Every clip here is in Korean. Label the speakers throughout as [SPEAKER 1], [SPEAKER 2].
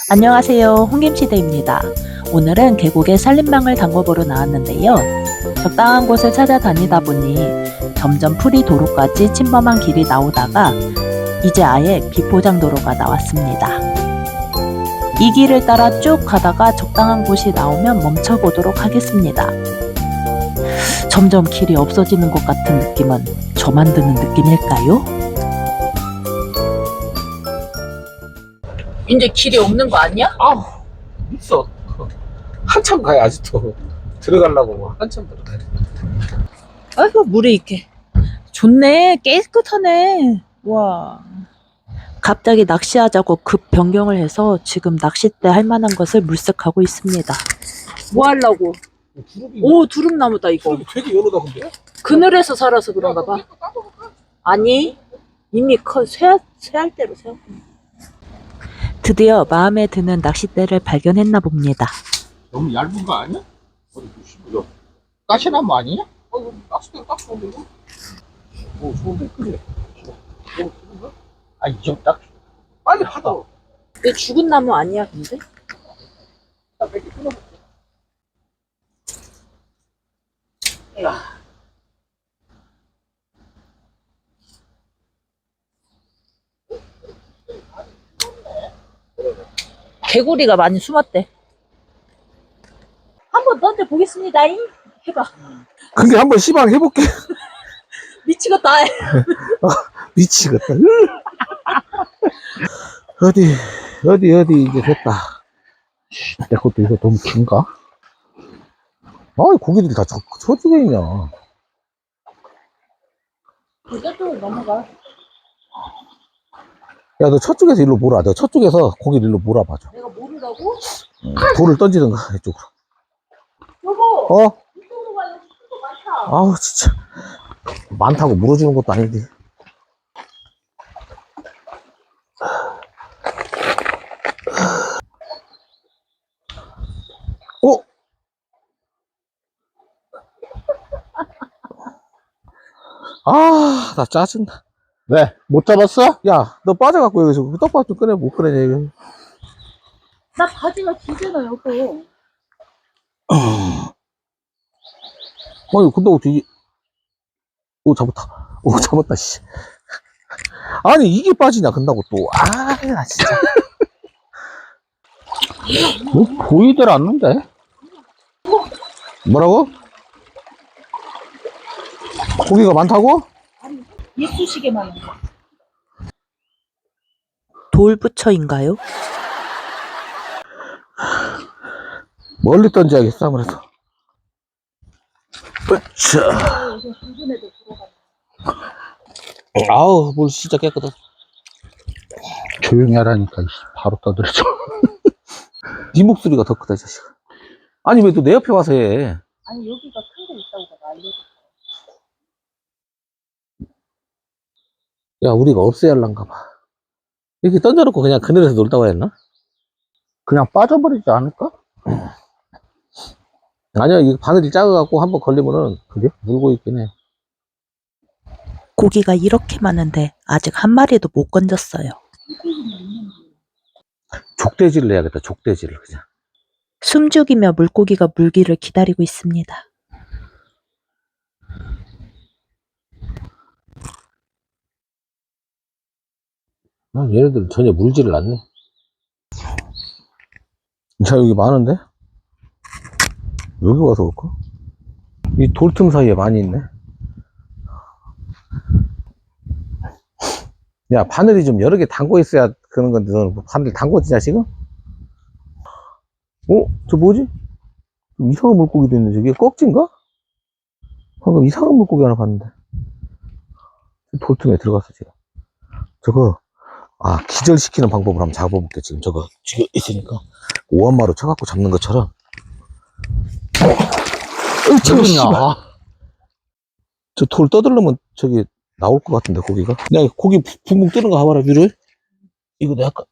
[SPEAKER 1] 안녕하세요. 홍김치대입니다. 오늘은 계곡에 산림망을 담궈보러 나왔는데요. 적당한 곳을 찾아다니다 보니 점점 풀이 도로까지 침범한 길이 나오다가 이제 아예 비포장 도로가 나왔습니다. 이 길을 따라 쭉 가다가 적당한 곳이 나오면 멈춰보도록 하겠습니다. 점점 길이 없어지는 것 같은 느낌은 저만 드는 느낌일까요? 이제 길이 없는 거 아니야?
[SPEAKER 2] 아, 있어. 한참 가야 아직도 들어가려고 뭐 한참 들어가야 돼.
[SPEAKER 1] 아이고 물이 이렇게 좋네. 깨끗하네. 와. 갑자기 낚시하자고 급 변경을 해서 지금 낚싯대 할 만한 것을 물색하고 있습니다. 뭐 하려고?
[SPEAKER 2] 두릅이
[SPEAKER 1] 오, 두릅나무다 이거.
[SPEAKER 2] 두릅이 되게 연하다 근데.
[SPEAKER 1] 그늘에서 살아서 그런가 봐. 아니, 이미 쇠할 대로 세웠구나. 드디어 마음에 드는 낚싯대를 발견했나 봅니다.
[SPEAKER 2] 너무 얇은 거 아니야? 어디 보시고. 가시나무 아니냐? 이거 낚싯대로 딱 좋은데 이거? 오, 좋은데 그래. 아, 이좀 딱. 빨리 하다.
[SPEAKER 1] 이게 죽은 나무 아니야 근데?
[SPEAKER 2] 몇개 끊어볼게.
[SPEAKER 1] 개구리가 많이 숨었대. 한번 던져 보겠습니다. 해봐.
[SPEAKER 2] 근데 한번 시방 해볼게.
[SPEAKER 1] 미치겠다.
[SPEAKER 2] 미치겠다. 어디 이제 됐다. 내 것도 이거 너무 긴가? 아, 고기들이 다 저쪽에 있냐.
[SPEAKER 1] 이것도 넘어가.
[SPEAKER 2] 야, 너 저쪽에서 일로 몰아. 너 저쪽에서 고기를 일로 몰아봐줘.
[SPEAKER 1] 내가 모르라고?
[SPEAKER 2] 돌을 던지든가, 이쪽으로.
[SPEAKER 1] 여보.
[SPEAKER 2] 어?
[SPEAKER 1] 이쪽으로 가야 큰거 많다.
[SPEAKER 2] 아우, 진짜. 많다고 물어주는 것도 아닌데. 어? 아, 나 짜증나. 왜? 못 잡았어? 야, 너 빠져갖고 여기서 떡밥 좀 꺼내, 못 꺼내냐, 이거.
[SPEAKER 1] 나 바지가 기잖아 여보.
[SPEAKER 2] 아니, 근데 어떻게, 오, 잡았다. 오, 잡았다, 씨. 아니, 이게 빠지냐, 근다고 또. 아, 나 진짜. 뭐, 보이들 않는데? 뭐라고? 고기가 많다고?
[SPEAKER 1] 이쑤시개만. 돌부처인가요?
[SPEAKER 2] 멀리 던져야겠어, 아무래도. 으쌰. 아우, 물 진짜 깨끗하다. 조용히 하라니까, 바로 떠들어져. 네 목소리가 더 크다, 이 자식아. 아니, 왜 또 내 옆에 와서 해?
[SPEAKER 1] 아니 여기가 큰 거 있다고 내가 알려줬어.
[SPEAKER 2] 야, 우리가 없애야 할란가 봐. 이렇게 던져놓고 그냥 그늘에서 놀다 와야 했나? 그냥 빠져버리지 않을까? 아니야, 이 바늘이 작아갖고 한번 걸리면은, 그게? 물고 있긴 해.
[SPEAKER 1] 고기가 이렇게 많은데 아직 한 마리도 못 건졌어요.
[SPEAKER 2] 족대지를 해야겠다, 족대지를, 그냥.
[SPEAKER 1] 숨죽이며 물고기가 물기를 기다리고 있습니다.
[SPEAKER 2] 아, 얘네들은 전혀 물지를 않네. 자, 여기 많은데? 여기 와서 올까? 이 돌틈 사이에 많이 있네. 야, 바늘이 좀 여러 개 담고 있어야 그런 건데, 너는 뭐 바늘 담궜지냐, 지금? 어? 저 뭐지? 좀 이상한 물고기도 있네, 저게. 꺽지인가? 방금 이상한 물고기 하나 봤는데. 돌틈에 들어갔어, 지금. 저거, 아, 기절시키는 방법을 한번 잡아볼게, 지금. 저거, 지금 있으니까. 오한마로 쳐갖고 잡는 것처럼.
[SPEAKER 1] 어이구,
[SPEAKER 2] 저 돌 떠들려면 저기 나올 것 같은데, 고기가. 야, 고기 붕붕 뜨는 거 봐봐라, 위로에. 이거 내가 아까.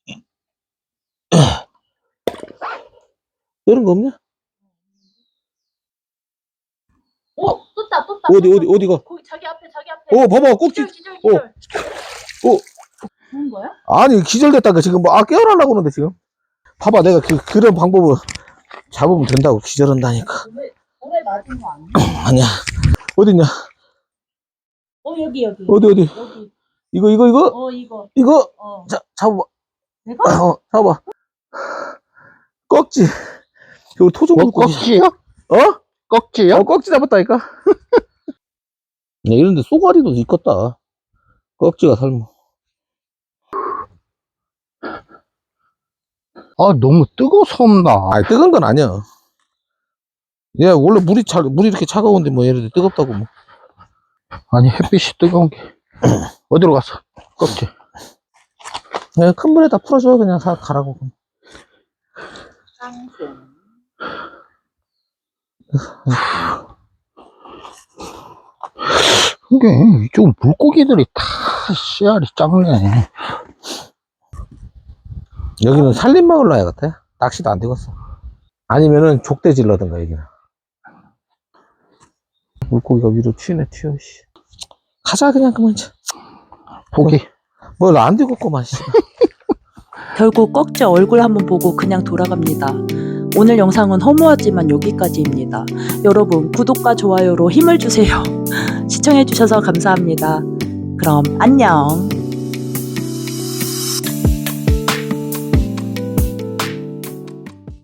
[SPEAKER 2] 뜨는 거 없냐?
[SPEAKER 1] 오, 떴다.
[SPEAKER 2] 어디가?
[SPEAKER 1] 거기 자기 앞에.
[SPEAKER 2] 봐봐, 꼭지.
[SPEAKER 1] 기절.
[SPEAKER 2] 어.
[SPEAKER 1] 좋은 거야?
[SPEAKER 2] 아니, 기절됐다가 지금 뭐, 깨어나려고 그러는데, 지금. 봐봐, 내가 그런 방법을 잡으면 된다고 기절한다니까.
[SPEAKER 1] 오래 맞은 거 아니야?
[SPEAKER 2] 아니야. 어딨냐?
[SPEAKER 1] 여기.
[SPEAKER 2] 어디?
[SPEAKER 1] 여기.
[SPEAKER 2] 이거?
[SPEAKER 1] 이거.
[SPEAKER 2] 이거?
[SPEAKER 1] 어.
[SPEAKER 2] 자, 잡아봐.
[SPEAKER 1] 내가?
[SPEAKER 2] 잡아봐. 꺽지. 이거 토종물
[SPEAKER 3] 꺽지요?
[SPEAKER 2] 어?
[SPEAKER 3] 꺽지요?
[SPEAKER 2] 꺽지 잡았다니까? 야, 이런데 쏘가리도 있겠다. 꺽지가 삶아.
[SPEAKER 3] 아, 너무 뜨거워서 없나?
[SPEAKER 2] 아니, 뜨거운 건 아니야. 야, 원래 물이 이렇게 차가운데 뭐 얘네들 뜨겁다고 뭐.
[SPEAKER 3] 아니, 햇빛이 뜨거운 게. 어디로 갔어? 꺽지.
[SPEAKER 2] 그냥 큰 물에다 풀어줘. 그냥 가라고.
[SPEAKER 3] 이게, 이쪽 물고기들이 다 씨알이 작네.
[SPEAKER 2] 여기는 산림마을로 해야겠다. 낚시도 안 되겠어. 아니면은 족대질러든가, 여기는. 물고기가 위로 튀네, 튀어, 씨. 가자, 그냥 그만.
[SPEAKER 3] 포기.
[SPEAKER 2] 뭘 안 되겠구만, 씨.
[SPEAKER 1] 결국 꺽지 얼굴 한번 보고 그냥 돌아갑니다. 오늘 영상은 허무하지만 여기까지입니다. 여러분 구독과 좋아요로 힘을 주세요. 시청해주셔서 감사합니다. 그럼 안녕.